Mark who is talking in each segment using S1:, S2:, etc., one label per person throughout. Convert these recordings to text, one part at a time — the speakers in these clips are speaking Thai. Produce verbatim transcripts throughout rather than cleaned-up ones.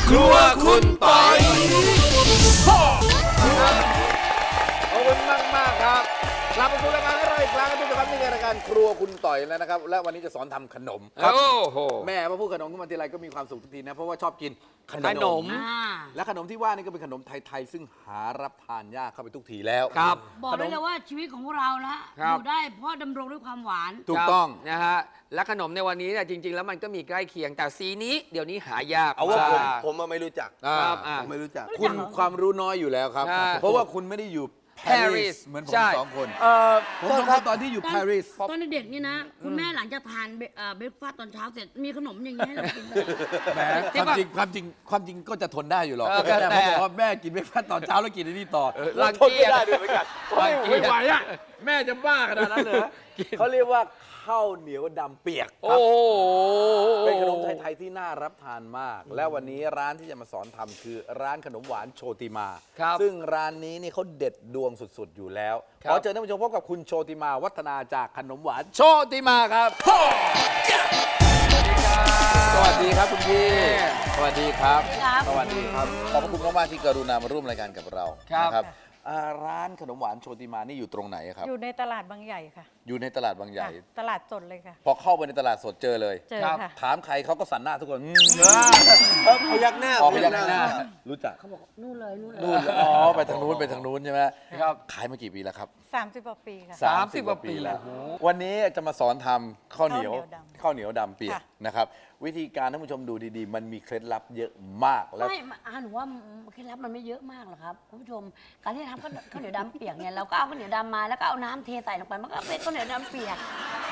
S1: ครัวคุณปอย
S2: ขอบคุณมากมากๆครับกลับมาสู่รายการให้เราอีกครั้งทุกท่านนี่คือรายการครัวคุณต่อยแล้วนะครับและวันนี้จะสอนทำขนมครับ
S1: โอ้โห
S2: แม่พอพูดขนมขึ้นมาทีไรก็มีความสุขทุกทีนะเพราะว่าชอบกินขนม
S1: ขนม
S2: และขนมที่ว่านี่ก็เป็นขนมไทยๆซึ่งหารับทานยากเข้าไปทุกทีแล้ว
S1: ครับ
S3: บอกได้เลยว่าชีวิตของเราละ
S1: ครั
S3: อบ ยู่ได้เพราะดำรงด้วยความหวาน
S2: ถูกต้อง
S1: นะฮะและขนมในวันนี้เนี่ยจริง ๆ แล้วมันก็มีใกล้เคียงแต่สีนี้เดี๋ยวนี้หายาก
S4: เอาว่าผม
S1: มาก
S4: ผมอะไม่รู้จัก
S2: อ่า
S1: ครับอ่ะ
S4: ผมไม่รู้จัก
S2: คุณความรู้น้อยอยู่แล้วครับ
S1: ใช่
S2: เพราะว่าคุณไม่ได้อยู่ปารี
S1: Paris
S2: สเหมือนผม
S1: ใช่
S2: สองคน
S4: เออ
S2: ผม
S4: โทษ
S2: สอง
S4: ค
S2: ค
S4: รั
S2: น
S4: บ
S2: ตอนที่อยู่ปารีส
S3: ตอนเด็กๆนี่นะ คุณแม่หลังจากทานเบเอ่อเบรกฟาสต์ตอนเช้าเสร็จมีขนมอย่างนี้ให้เรากินตลอด
S2: แหมความจริงความจริงความจริงก็จะทนได้อยู่หรอก
S1: เออ
S2: แต่
S1: แต่
S2: ผมบอกว่าแม่กินไม่พลาดตอนเช้าแล้วกินไอ้นี่ต่อ
S1: รัง
S4: ทน
S1: เกี
S4: ไม่
S1: ยจ
S4: ได้ด้วยเหมือนกัน
S1: รังเกียจ
S2: ไม่ไหวอ่ะแม่จะบ้าขนาดนั้นเลยเขาเรียกว่าข้าวเหนียวดำเปียกค
S1: โอ้
S2: รับ
S1: โห
S2: เป็นขนมไทยๆที่น่ารับทานมาก และวันนี้ร้านที่จะมาสอนทำคือร้านขนมหวานโชติมา
S1: ครับ
S2: ซึ่งร้านนี้นี่เขาเด็ดดวงสุดๆอยู่แล้ว
S1: ครับ
S2: ขอเชิญท่านผู้ชมพบกับคุณโชติมาวัฒนาจากขนมหวานโชติมาครับ สวัสดีครับคุณพี่ สวัสดีครับ
S3: ครับ
S2: สวัสดีครับ ขอบพระคุณมากๆที่กรุณามาร่วมรายการกับเรา
S1: ครับ
S2: นะครับอ่าร้านขนมหวานโชติมานี่อยู่ตรงไหนครับ
S5: อยู่ในตลาดบางใหญ่ค่ะ
S2: อยู่ในตลาดบางใหญ่
S5: ค่ะตลาดสดเลยค่ะ
S2: พอเข้าไปในตลาดสดเจอเลย
S5: เจอค่ะ
S2: ถามใครเขาก็สันหน้าทุกคนอืม
S4: เออพยักหน้า
S2: ออกไปยังหน้า รู้จัก
S3: เขาบอกนู่นเลยนู่นเลย
S2: นู่นอ๋อไปทางนู้นไปทางนู้นใช่ไหม
S1: ครับ
S2: ขายมากี่ปีแล้วครับ
S5: สามสิบกว่าปีค่ะ
S1: สามสิบกว่าปี
S2: แล้ว
S1: โอ้โห
S2: วันนี้จะมาสอนทำข้าวเหนียว
S5: ข้าวเหนียวดำ
S2: ข้าวเหนียวดำเปียก
S5: ค่ะ
S2: นะครับ วิธีการท่านผู้ชมดูดีๆ มันมีเคล็ดลับเยอะมากแล้ว
S3: ไม่อาหนูว่าเคล็ดลับมันไม่เยอะมากหรอกครับคุณผู้ชมการที่ทำข้าวข้าวเหนียวดำเปียกเนี่ยเราก็เอาข้าวเหนียวดำมาแล้วก็เอาน้ำเทใส่ลงไปมันก็เป็นข้าวเหนียวดำเปียก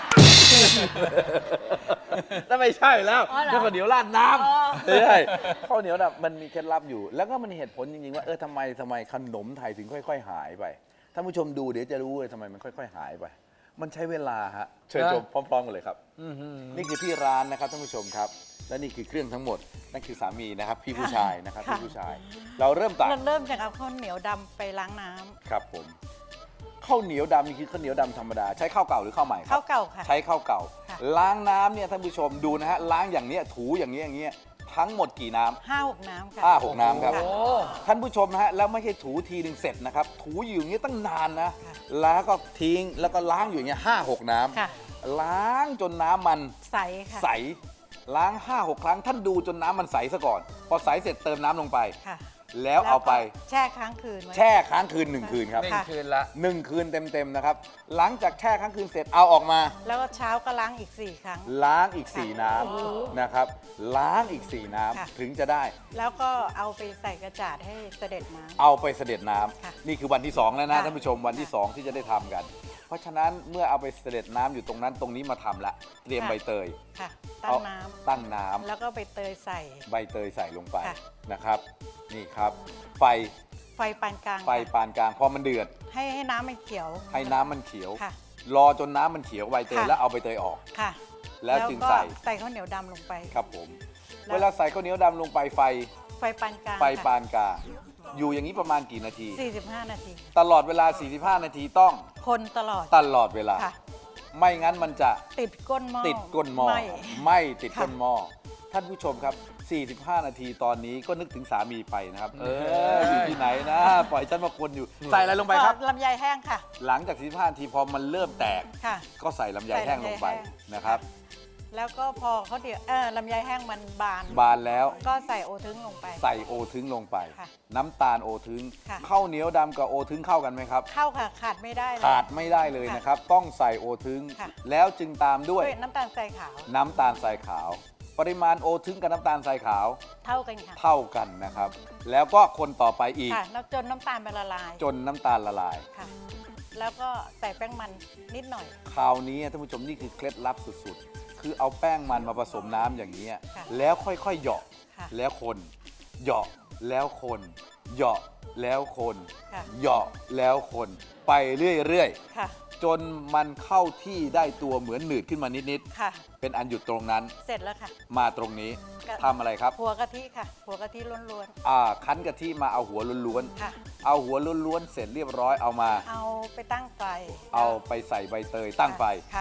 S2: นั่นไม่ใช่แล้ว
S3: อ๋อเหรอ
S2: นั่นข้าวเหนียวราดน้
S3: อ๋อ
S2: ำไม่ใช่ข้าวเหนียวดำมันมีเคล็ดลับอยู่ แล้วก็มันมีเหตุผลจริงๆว่าเออทำไมทำไมขนมไทยถึงค่อย ๆ หายไปท่านผู้ชมดูเดี๋ยวจะรู้เลยทำไมมันค่อย ๆ หายไป มันใช้เวลาฮะเชิญชมพร้อมๆกันเลยครับ นี่คือที่ร้านนะครับท่านผู้ชมครับ และนี่คือเครื่องทั้งหมดนั่นคือสามีนะครับพี่ผู้ชายนะครับ
S5: ค่ะ
S2: พี่ผู้ชาย เราเริ่มตัก
S5: เราเริ่มจากเอาข้าวเหนียวดำไปล้างน้ำ
S2: ครับผมข้าวเหนียวดำนี่คือข้าวเหนียวดำธรรมดาใช้ข้าวเก่าหรือข้าวใหม่ครั
S5: ข้าวเก่าค่ะ
S2: ใช้ข้าวเก่า
S5: ค่ะ
S2: ล้างน้ำเนี่ยท่านผู้ชมดูนะฮะล้างอย่างเนี้ยถูอย่างเงี้ยอย่างเงี้ยทั้งหมดกี่น้ำ
S5: ห้าหกน้ำค่ะ
S2: ห้าหกน้ำครับ
S1: โอ้
S2: ท่านผู้ชมนะฮะแล้วไม่ใช่ถูทีหนึ่งเสร็จนะครับถูอยู่อย่างเงี้ยตั้งนานนะ
S5: ค่ะ
S2: แล้วก็ทิ้งแล้วก็ล้างอยู่อย่างเงี้ยห้าหกน้ำ
S5: ค่ะ
S2: ล้างจนน้ำมัน
S5: ใสค่ะ
S2: ใสล้างห้าหกครั้งท่านดูจนน้ำมันใสซะก่อน พอใสเสร็จเติมน้ำลงไป
S5: ค่ะ
S2: แล้วเอาไป
S5: แช่ค้างคืนไว้
S2: แช่ค้างคืนหนึ่งคืนครับ
S1: หนึ่ง
S5: ค่ะ
S1: คืนละ
S2: หนึ่งคืนเต็มๆนะครับหลังจากแช่ค้างคืนเสร็จเอาออกมา
S5: แล้วก็เช้าก็ล้างอีกสี่ครั้ง
S2: ล้างอีก 4 น้ำนะครับ ล้างอีก 4 น้
S5: ค่ะ
S2: ำถึงจะได้
S5: แล้วก็เอาไปใส่กระจาดให้เสด็จน้ำ
S2: เอาไปเสด็จน้
S5: ค่ะ
S2: ำนี่คือวันที่สองแล้วนะ
S5: ค่ะ
S2: ท่านผู้ชมวันที่สองที่จะได้ทำกัน เพราะฉะนั้นเมื่อเอาไปเสด็จน้ำอยู่ตรงนั้นตรงนี้มาทำละเตรียมใบเตย
S5: ค่ะ ตั้
S2: เอา
S5: งน้
S2: ตั้งน้
S5: ำแล้วก็ไปเตยใส่
S2: ำใบเตยใส่ลงไป
S5: ค่ะ
S2: นะครับ นี่ครับ ไฟ
S5: ไฟปานกลาง
S2: ไฟ
S5: ค่ะ
S2: ปานกลางพอมันเดือด
S5: ให้ให้น้ำมันเขียว
S2: ให้น้ำมันเขียว
S5: ค่ะ
S2: รอจนน้ำมันเขียวใบเตย
S5: ค่ะ
S2: แล้วเอาใบเตยออก
S5: ค่ะ
S2: แล้วจึง
S5: ก็
S2: ใส่
S5: ใส่ข้าวเหนียวดำลงไป
S2: ครับผม
S5: แล้ว
S2: เวลาใส่ข้าวเหนียวดำลงไปไฟ
S5: ไฟปานกลาง
S2: ไฟ
S5: ค่ะ
S2: ปานกลางอยู่อย่างนี้ประมาณกี่นาที
S5: สี่สิบห้านาที
S2: ตลอดเวลา สี่สิบห้า นาทีต้อง
S5: คนตลอด
S2: ตลอดเวลา
S5: ค่ะ
S2: ไม่งั้นมันจะ
S5: ติดก้นหม้อ
S2: ติดก้นหม้อ
S5: ไห
S2: ไม่ติด
S5: ค่ะ
S2: ก้นหม้อท่านผู้ชมครับ สี่สิบห้า นาทีตอนนี้ก็นึกถึงสามีไปนะครับ เอออยู่ที่ไหนนะ ปล่อยฉันมาคนอยู่ ใส่อะไรลงไปครับ
S5: ลำไยแห้งค่ะ
S2: หลังจาก สี่สิบห้า นาทีพอมันเริ่มแตก
S5: ค่ะ
S2: ก็ใส่ลำไยแห้งลงไป
S5: ใส่ลำไยแห้ง
S2: นะครับ
S5: แล้วก็พอเขาเดี๋ยวเออลำไยแห้งมันบาน
S2: บานแล้ว
S5: ก็ใส่โอทึงลงไป
S2: ใส่โอทึงลงไป
S5: ค่ะ
S2: น้ำตาลโอทึง
S5: ค่ะ
S2: ข้าวเหนียวดำกับโอทึงเข้ากันไหมครับ
S5: เข้าค่ะขาดไม่ได้เลย
S2: ขาดไม่ได้เลยนะครับ ต้องใส่โอทึง
S5: ค่ะ
S2: แล้วจึงตามด้วย
S5: ด้วยน้ำตาลทรายขาว
S2: น้ำตาลทรายขาว ปริมาณโอทึงกับน้ำตาลทรายขาว
S5: เท่ากันค่ะ
S2: เท่ากันนะครับ แล้วก็คนต่อไปอีก
S5: ค่ะแล้วจนน้ำตาลมันละลาย
S2: จนน้ำตาลละลาย
S5: ค่ะ แล้วก็ใส่แป้งมันนิดหน่อย
S2: คราวนี้ท่านผู้ชมนี่คือเคล็ดลับสุดๆ คือเอาแป้งมันมาผสมน้ำอย่างนี้
S5: ค่ะ
S2: แล้วค่อยๆเหยาะ
S5: ค่ะ
S2: แล้วคนเหยาะแล้วคนเหยาะแล้วคน
S5: ค่ะ
S2: เหยาะแล้วคนไปเรื่อยๆ
S5: ค่ะ
S2: จนมันเข้าที่ได้ตัวเหมือนหนืดขึ้นมานิด
S5: ค่ะ
S2: ๆ เป็นอันหยุดตรงนั้น
S5: เสร็จแล้วค่ะ
S2: มาตรงนี้
S5: ก็
S2: ทำอะไรครับ
S5: หัวกะทิค่ะ หัวกะทิล้วน
S2: อ่าคั้นกะทิมาเอาหัวล้วน
S5: ๆค่ะ
S2: ๆ เอาหัวล้วนๆ เสร็จเรียบร้อยเอามา
S5: เอาไปตั้งไฟ
S2: เอาไปใส่ใบเตยตั้งไฟ
S5: ค่ะ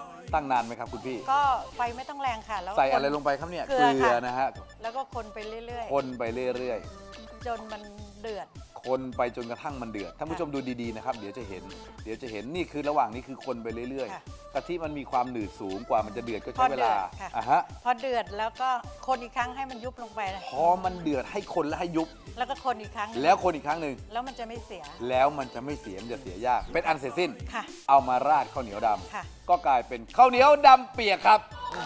S2: ตั้งนานไหมครับคุณพี่
S5: ก็ไฟไม่ต้องแรงค่ะ แล้วก็
S2: ใส่อะไร
S5: คน
S2: ลงไปครับเนี่ย
S5: เกลือค่ะ
S2: นะฮะ
S5: แล้วก็คนไปเรื่อย
S2: คนไปเรื่อย
S5: ๆ จนมันเดือด
S2: ๆ คนไปจนกระทั่งมันเดือดท่านผู้ชมดูดีๆนะครับเดี๋ยวจะเห็นเดี๋ยวจะเห็นนี่คือระหว่างนี้คือคนไปเรื่อย
S5: ค่ะ
S2: ๆกะทิมันมีความหนืดสูงกว่ามันจะเดือดก็
S5: พ
S2: ใช้
S5: อ
S2: เว
S5: เดือ
S2: ลา
S5: ดค่ะ
S2: อ่ะฮะ
S5: พอเดือดแล้วก็คนอีกครั้งให้มันยุบลงไปนะ
S2: พอมันเดือดให้คนและให้ยุบ
S5: แล้วก็คนอีกครั้ง
S2: แล้วคนอีกครั้งหนึ่ง
S5: แล้วมันจะไม่เสีย
S2: แล้วมันจะไม่เสียมันจะเสียยากเป็นอันเสร็จสิ้น
S5: ค่ะ
S2: เอามาราดข้าวเหนียวด
S5: ค่ะ
S2: ำก็กลายเป็นข้าวเหนียวดำเปียกครับ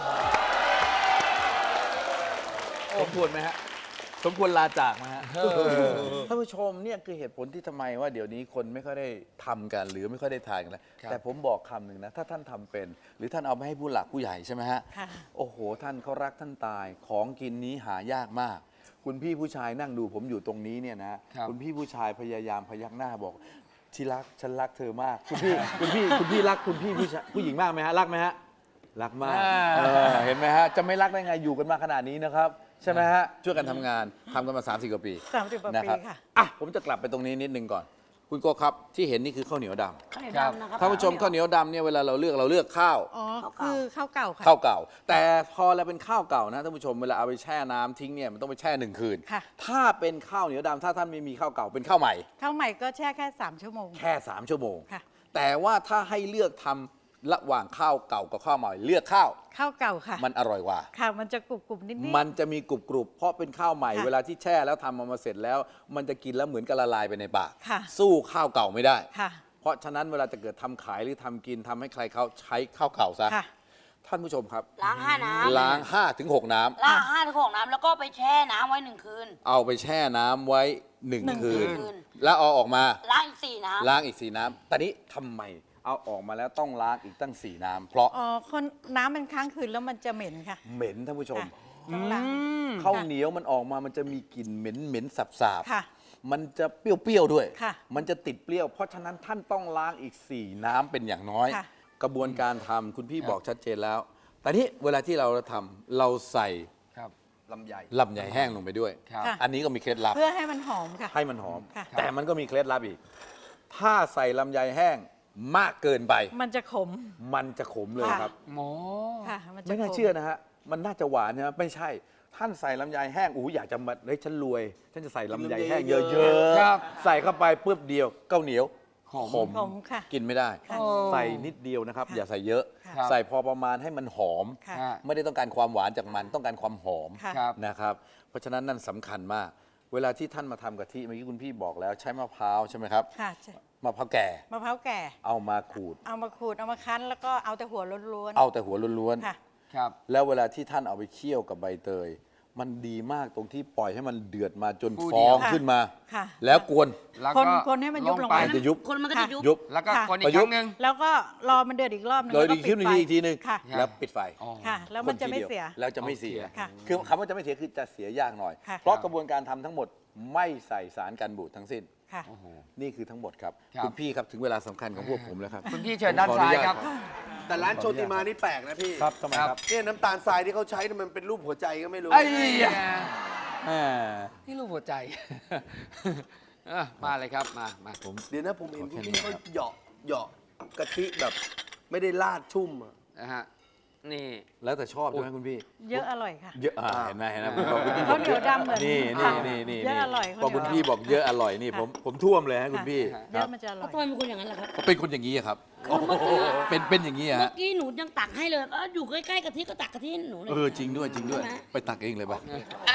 S2: สมควรไหมฮะสมควรลาจากไหมฮะท่านผู้ชมเนี่ยคือเหตุผลที่ทำไมว่าเดี๋ยวนี้คนไม่ค่อยได้ทำกันหรือไม่ค่อยได้ทานกันแล้ว
S1: ครับ
S2: แต่ผมบอกคำหนึ่งนะถ้าท่านทำเป็น หรือท่านเอาไปให้ผู้หลักผู้ใหญ่ใช่ไหมฮะ
S5: ค่ะ
S2: โอ้โห ท่านเขารักท่านตายของกินนี้หายากมาก คุณพี่ผู้ชายนั่งดูผมอยู่ตรงนี้เนี่ยนะครับ ณพี่ผู้ชายพยายามพยักหน้าบอกที่รักฉันรักเธอมาก คุณพี่คุณพี่คุณพี่รักคุณพี่ผู้ชายผู้หญิงมากไหมฮะรักไหมฮะรักมากเออเห็นไหมฮะจะไม่รักได้ไงอยู่กันมาขนาดนี้นะครับใช่ไหมฮะช่วยกันทำงานทำกันมาสามสิบกว่าปี
S5: สามสิบกว่า
S2: นะ
S5: ปี
S2: ครับ
S5: ค่ะ
S2: อ่ะผมจะกลับไปตรงนี้นิดนึงก่อน คุณโกครับที่เห็นนี่คือข้าวเหนียวด
S3: ข้าวเหนียว
S1: ครับ
S3: ดำนะครับ
S2: ำท่านผู้ชมข้าวเหนียวดำเนี่ยเวลาเราเลือกเราเลือกข้าว
S5: อ๋อ คือข้าวเก่าค่ะ
S2: ข้าวเก่า แต่พอเราเป็นข้าวเก่านะท่านผู้ชมเวลาเอาไปแช่น้ำทิ้งเนี่ยมันต้องไปแช่หนึ่งคืน
S5: ค่ะ
S2: ถ้าเป็นข้าวเหนียวดำถ้าท่านไม่มีข้าวเก่าเป็นข้าวใหม่
S5: ข้าวใหม่ก็แช่แค่สามชั่วโมง
S2: แค่สามชั่วโมง
S5: ค่ะ
S2: แต่ว่าถ้าให้เลือกทำระหว่างข้าวเก่ากับข้าวใหม่เลือกข้าว
S5: ข้าวเก่าค่ะ
S2: มันอร่อยกว่า
S5: ค่ะ มันจะกรุบกรุบๆนิดๆ
S2: มันจะมีกรุบกรุบๆเพราะเป็นข้าวใหม่
S5: ค่ะ
S2: เวลาที่แช่แล้วทำออกมาเสร็จแล้ว มันจะกินแล้วเหมือนกับละลายไปในปาก
S5: ค่ะ
S2: สู้ข้าวเก่าไม่ได้
S5: ค่ะ
S2: เพราะฉะนั้นเวลาจะเกิดทำขายหรือทำกินทำให้ใครเขาใช้ข้าวเก่าซะ
S5: ค่ะ
S2: ท่านผู้ชมครับ
S3: ล้างห้าน้ำ
S2: ล้างห้าถึงหกน้ำ
S3: ล้างห้าถึงหกน้ำแล้วก็ไปแช่น้ำไว้หนึ่งคืน
S2: เอาไปแช่น้ำไว้หนึ่ง
S5: หนึ่ง
S2: คืน
S3: คืน
S2: แล้วเอาออกมา
S3: ล้างอีกสี่น้ำ
S2: ล้างอีกสี่น้ำแต่นี้ทำไมเอาออกมาแล้วต้องล้างอีกตั้งสี่น้ำเพราะ
S5: อ๋อ คนน้ำมันค้างคืนแล้วมันจะเหม็นค่ะ
S2: เหม็นท่านผู้ชม
S5: ค่ะต้องล้าง
S2: ข้าวเหนียวมันออกมามันจะมีกลิ่นเหม็นเหม็นสับสาบๆ
S5: ค่ะ
S2: มันจะเปรี้ยวๆด้วย
S5: ค่ะ
S2: มันจะติดเปรี้ยว เพราะฉะนั้นท่านต้องล้างอีกสี่น้ำเป็นอย่างน้อย
S5: ค่ะ
S2: กระบวนการทำคุณพี่บอกชัดเจนแล้ว แต่นี้เวลาที่เราทำเราใส่
S1: ครับ
S2: ลำไยลำไยแห้งลงไปด้วย
S1: ครับ
S5: ค่ะ
S2: อันนี้ก็มีเคล็ดลับ
S5: เพื่อให้มันหอมค่ะ
S2: ให้มันหอม
S5: ค่ะ
S2: แต่มันก็มีเคล็ดลับอีก ถ้าใส่ลำไยแห้งมากเกินไป
S5: มันจะขม
S2: มันจะขมเลย
S5: ค่ะ
S2: ครับ
S1: หมอ
S5: ค่ะ มันจะ
S2: ไม่น่า
S5: ข
S2: เชื่อนะฮะ มันน่าจะหวานใช่ไหมไม่ใช่ ท่านใส่ลำไยแห้งอู้อยากจะมาเฮ้ยฉันรวย ฉันจะใส่ลำไยแห้งเย
S4: เย
S2: อะ
S4: อะ
S2: ๆ
S1: ครับ
S2: ใส่เข้าไปปุ๊บเดียวข้าวเหนียว
S1: หอม
S2: ขม
S5: ขมค่ะ
S2: กินไม่ได้
S5: ค่ะ
S2: ใส่นิดเดียวนะครับ
S5: ค่ะ
S2: อย่าใส่เยอะ
S5: ค่ะ
S2: ใส่พอประมาณให้มันหอม
S5: ค่ะ
S1: ฮะ
S2: ไม่ได้ต้องการความหวานจากมันต้องการความหอม
S5: ค่ะ
S1: ครับ
S2: นะครับ เพราะฉะนั้นนั่นสำคัญมาก เวลาที่ท่านมาทำกะทิเมื่อกี้คุณพี่บอกแล้วใช้มะพร้าวใช่ไหมครับ
S5: ค่ะใช่
S2: มะพร้าวแก่
S5: มะพร้าวแก่
S2: เอามาขูด
S5: เอามาขูด เอามาคั้น แล้วก็เอาแต่หัวล้วน
S2: เอาแต่หัวล้วน
S5: ๆ ค่ะ
S1: ครับ
S2: ๆ แล้วเวลาที่ท่านเอาไปเคี่ยวกับใบเตย มันดีมากตรงที่ปล่อยให้มันเดือดมาจน
S1: ฟู
S2: ฟ
S1: เดี
S2: อ
S1: ยว
S2: งขึ้นมา
S5: ค่ะ
S2: แล้วกวน
S1: แล้ว
S5: คน
S1: ก็
S5: คนให้มันยุบลงไป
S2: มันจะยุบ
S3: คนมันก็จะยุบ
S2: ยุบ
S1: แล้วก็
S5: ค่ะ
S1: คนอีกครั้งหนึ่ง
S5: แล้วก็รอมันเดือดอีกรอบหนึง
S2: โดย
S5: แล้วก็
S2: ดีขึ้น
S5: ปิดไฟ
S2: อีกทีหนึง
S5: ค่ะ
S2: แล้วปิดไฟ
S1: อ๋อ
S5: ค่ะ แล้วมันจะไม่เสีย
S2: แล้วจะไม่เสีย
S5: ค่ะ
S2: คือคำว่าจะไม่เสียคือจะเสียยากหน่อย
S5: ค่ะ
S2: เพราะกระบวนการทำทั้งหมดไม่ใส่สารกันบูดทั้งสิ้น
S5: ค่ะ
S1: โอ้โห
S2: นี่คือทั้งหมดครับ
S1: ครับ
S2: คุณพี่ครับถึงเวลาสำคัญของพวกผมแล้วครับ
S1: คุณพี่เชิญด้านซ้ายครับ
S4: แต่ร้านโชติมานี่แปลกนะพี่
S2: ครับทำไมครับ
S4: เนี่ยน้ำตาลทรายที่เขาใช้เนี่ยมันเป็นรูปหัวใจก็ไม่รู้
S1: ไอ้ยะ
S2: แหม
S1: นี่รูปหัวใจ เอ้อมาเลยครับ มา มา
S2: ผม
S4: เดี๋ยวนะผมเห็น
S2: ขอแค่
S4: คุณ
S2: นี้
S4: พี่เขา
S2: ครับ
S4: เหยาะเหยาะกะทิแบบ ไม่ได้ราดชุ่มอะ
S1: นะฮะ นี่
S2: แล้วแต่ชอบใช่ไหมคุณพี่
S5: เยอะอร่อยค่ะ
S2: เยอะอ่าเห็นไหมเห็นไหมผมบอกคุณพี่
S5: ข้าวเหนียวดำเหมือน
S2: นี่
S5: ค่ะ
S2: นี่นี่นี่
S5: เยอะอร่อย
S2: พอคุณพี่บอกเยอะอร่อยนี่
S5: ค่ะ
S2: ผมผมท่วมเลยฮะคุณพี่
S1: ค่ะ
S5: เยอะมันจะอร่อย
S3: ทำไมเป็นคนอย่างนั้นล่ะครับ
S2: เขาเป็นคนอย่างนี้อะครับ เป็นเป็นอย่างนี้อะ
S3: เมื่
S2: ฮะ
S3: อกี้หนูยังตักให้เลยเอออยู่ใกล้ๆกะทิก็ตักกะทิให้หนูเลย
S2: เออจริงด้วยจริงด้วย
S3: ใช่ไหม
S2: ไปตักเองเลยป่ะ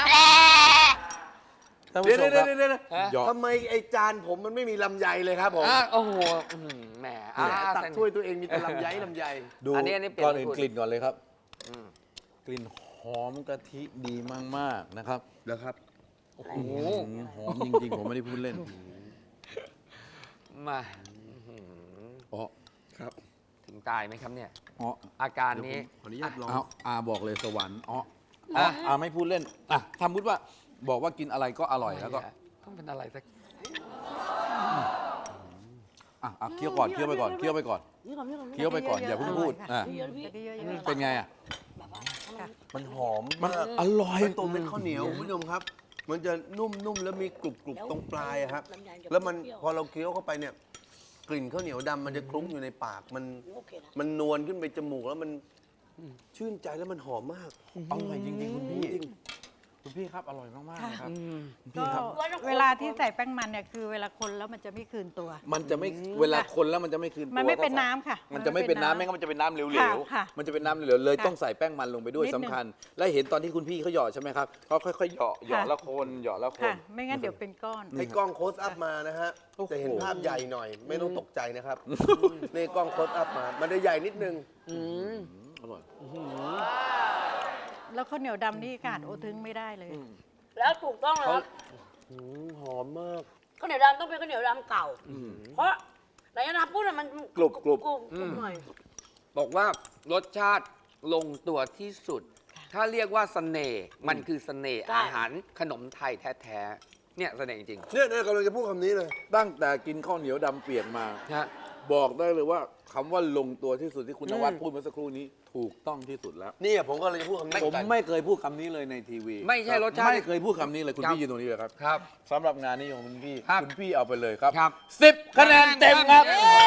S2: ท่าน
S4: เดี๋
S2: ผู้
S4: ยว
S2: ชม
S4: เดี๋ยว
S2: ครับ
S4: เดี๋ยวเดี๋ยว
S1: ฮะ
S2: หยอก
S4: ทำไมไอจานผมมันไม่มีลำไยเลยครับผม
S1: อ่ะโอ้โหอื้อหือแหม
S4: แห
S1: อ่ะ
S4: มตัก
S1: เส้น
S4: ถ้วยตัวเองมีแต่ลำไยลำไย
S2: ดู
S1: อันนี้อันนี้เปลี่ยน
S2: ก่อนอื่น
S1: สูตร
S2: กลิ่นก่อนเลยครับ
S1: อืม
S2: กลิ่นหอมกะทิดีมากๆนะครับ
S4: แล้วครับ
S1: โอ้โห
S2: อืมหอมจริงๆ ผมไม่ได้พูดเล่น
S1: มาอื้อหือ
S2: อ๋อ
S4: ครับ
S1: ถึงตายไหมครับเนี่ย
S2: อ๋อ
S1: อาการนี้
S4: ขออนุญาตลอง
S2: เอาอาบอกเลยสวรรค์อ๋อ
S1: อ่ะ
S2: อาไม่พูดเล่นอ่ะทำพูดว่าบอกว่ากินอะไรก็อร่อยแล้วก็
S1: ต้องเป็นอะไรสัก
S2: อ่ะอ่ะเคี้ยวก่อนเคี้ยวไปก่อนเคี้ยวไปก่อน
S3: นี่ก่อนนี่ก่อน
S2: เคี้ยวไปก่อนอย่าเพิ่งพูดอ่ะ
S3: เยอะๆพี่
S5: เยอะๆ
S2: เป็นไงอ่ะ
S3: แบบว่าให้มัน
S4: มันหอม
S2: มัน
S4: มาก
S2: อร่อย
S4: เป็นตัวเป็นข้าวเหนียวคุณผู้ชมครับ มันจะนุ่มๆแล้วมีกรุบๆตรงปลายอะครับ
S3: ลำไยจะ
S4: แล้วมัน
S3: เปรี้ยว
S4: พอเราเคี้ยวเข้าไปเนี่ยกลิ่นข้าวเหนียวดำมันจะคลุ้งอยู่ในปากมัน
S3: โอเคนะ
S4: มันนวลขึ้นไปจมูกแล้วมันชื่นใจแล้วมันหอมมาก
S2: อร่อยจริงๆคุณพี่คุณพี่ครับอร่อยมากๆเลยครับ
S5: ก็
S2: พี่ครับ
S5: เวลาที่ใส่แป้งมันเนี่ยคือเวลาคนแล้วมันจะไม่คืนตัว
S2: มันจะไม่เวลาคนแล้วมันจะไม่คืนตัว
S5: มันไม่เป็น
S2: ก็ใส่
S5: น้ำค่ะ
S2: มันจะไม่เป็นน้ำ
S5: มันไม่
S2: ไม่งั้นมันจะเป็นน้ำเหลว
S5: ค่ะค่ะ
S2: ๆมันจะเป็นน้ำเหลวๆเลย
S5: ค่ะ
S2: ต้องใส่แป้งมันลงไปด้วย
S5: นิดนึ
S2: สำ
S5: ง
S2: คัญ และเห็นตอนที่คุณพี่เขาหยอดใช่ไหมครับเขาค่อยๆหยอดหยอด
S5: ค่ะ
S2: แล้วคนหยอดแล้วค
S5: ค่ะ
S2: น
S5: ไม่งั้นเดี๋ยวเป็นก้อน
S4: ให้กล้องโคสอัพมานะฮะ
S2: โอ้โห
S4: จะเห็นภาพใหญ่หน่อย ไม่ต้องตกใจนะครับนี่กล้องโคสอัพมา มันจะใหญ่นิดนึง
S2: อร่อย
S5: แล้วข้าวเหนียวดำนี่ขาดโอทึงไม่ได้เลย
S3: แล้วถูกต้องแล้วครับ
S4: อืมหอมมาก
S3: ข้าวเหนียวดำต้องเป็นข้าวเหนียวดำเก่า เพราะไหนจะนับพูดอะมัน
S2: กรุบกรุบ
S3: กรุบกรุบหน่อย
S1: บอกว่ารสชาติลงตัวที่สุด ถ้าเรียกว่าเสน่ห์มันคือเสน่ห์
S3: ใช่
S1: อาหารขนมไทยแท้ๆเนี่ยเสน่ห์จริง
S4: เนี่ยเนี่ยกำลังจะพูดคำนี้เลย
S2: ตั้งแต่กินข้าวเหนียวดำเปียกมา
S1: ๆนะ
S2: บอกได้เลยว่าคำว่าลงตัวที่สุดที่คุณ
S1: อื
S2: น
S1: ม
S2: วัดพูดเมื่อสักครู่นี้ ถูกต้องที่สุดแล้ว
S4: นี่ผมก็เลยจะพูดคำนี้
S2: ผม
S4: กัน
S2: ไม่เคยพูดคำนี้เลยในทีวี
S1: ไม่ใช่รสชาติ
S2: ไม่เคยพูดคำนี้เลยคุณ
S1: ครับ
S2: พี่ยืนตรงนี้เลยครับ
S1: ครับ
S2: สำหรับงานนี้ของคุณพี่
S1: ครับ
S2: คุณพี่เอาไปเลยครับ
S1: ครับ
S2: สิบคะแนนเต็มครับ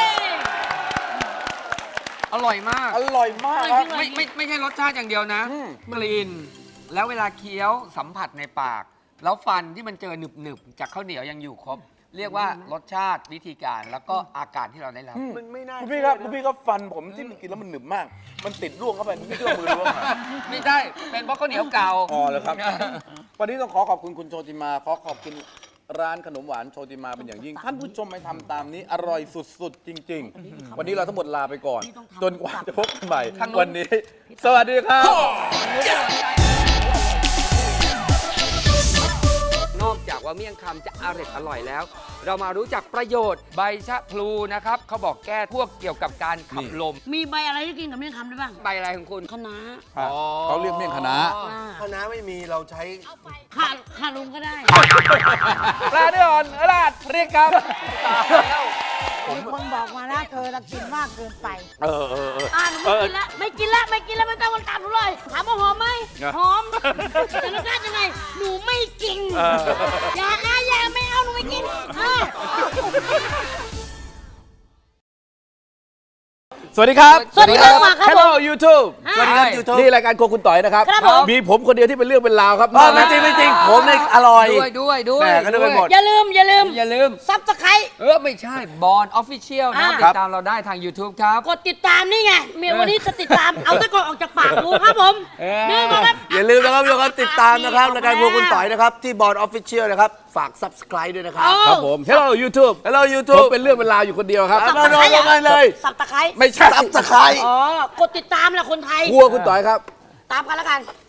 S1: อร่อยมาก
S2: อร่อยมากครับ
S1: ไม่ไม่ไม่ใช่รสชาติอย่างเดียวนะ
S2: อืม
S1: กลิ่นแล้วเวลาเคี้ยวสัมผัสในปาก แล้วฟันที่มันเจอหนึบหนึบๆจากข้าวเหนียวยังอยู่ครบ เรียกว่ารสชาติวิธีการแล้วก็อาการที่เราได้รับ
S4: มันไม่น่า
S2: คุณพี่ครับ
S4: เชื่อนะ
S2: คุณพี่ก็ฟันผมที่มันกินแล้วมันหนึบมาก มันติดร่วงเข้าไปไม่เชื่อมือร่วงอะ
S1: ไม่ใช่เป็นเพราะข้าวเหนียวเก่า
S2: อ๋อเหรอครับ วันนี้ต้องขอขอบคุณคุณโชติมา ขอขอบคุณร้านขนมหวานโชติมาเป็นอย่างยิ่ง ท่านผู้ชมไปทำตามนี้อร่อยสุดๆ จริง ๆ วันนี้เราทั้งหมดลาไปก่อน จนกว่าจะพบกันใหม่
S1: ทางนู้น
S2: วันนี้ สวัสดีครับ
S1: นอกจากว่าเมี่ยงคำจะอร่อยอร่อยแล้ว เรามารู้จักประโยชน์ใบชะพลูนะครับเขาบอกแก้พวกเกี่ยวกับการขับลม
S3: มีใบอะไรที่กินกับเมี่ยงคำได้บ้าง
S1: ใบอะไรของคุณ
S3: คะน้า
S1: อ๋อ
S2: เขาเรียกเมี่ยงคณะ
S3: อ่า
S4: คณะไม่มีเราใช้
S3: ขาขาลุงก็ได้
S1: ปลาเดือนราดเรียกครับ
S5: มีคนบอกมานะเธอละกินมากเกินไป
S2: เออเออเออ
S3: อ่าหนูไม่กินละไม่กินละไม่กินละไม่ต้องมาตามหนูเลยถามว่าหอมไหม
S2: ไง
S3: หอมแต่รสชาติยังไงหนูไม่กินอย่านะอย่าไม่เอาหนูไม่กินอ่า
S2: สวัสดีครับ
S3: สวัสดีครับมาครับผม
S2: Hello YouTube
S3: สวัสดีครับ
S4: YouTube
S2: นี่รายการโครัวคุณต่อยนะครับ
S3: ครับผม
S2: มีผมคนเดียวที่เป็นเรื่องเป็นราวครับ
S4: ไม่จริงไม่จริงผมเนี่ยอร่อย
S1: ด้วยด้วยด้วย
S4: แหม่ก็นึกไปหมด
S3: อย่าลืมอย่าลืม
S1: อย่าลืม
S3: ซับสไคร
S1: เออ ไม่ใช่บอลออฟฟิเชียลนะครับ
S3: อ่า
S1: ติดตามเราได้ทาง YouTube ครับ
S3: กดติดตามนี่ไงเมียวันนี้จะติดตาม เอาตะกอนออกจากปากดูครับผม
S1: เออ
S3: นี่นะครับ
S4: อย่าลืมนะครับทุกคนติดตามนะครับรายการพวกคุณต่อยนะครับ ที่บอร์ดออฟฟิเชียลนะครับ ฝาก subscribe ด้วยนะครับ
S2: ครับผม Hello YouTube
S4: Hello
S2: ผม
S4: YouTube
S2: เป็นเรื่องเป็นราวอยู่คนเดียวครับ
S4: เอามาลงกันเลย
S3: สับตะไคร้
S2: ไม่ใช่
S4: subscribe
S3: อ๋อกดติดตามแหละคนไทย
S2: ครัวคุณต่อยครับ
S3: ตามกันแล้วกัน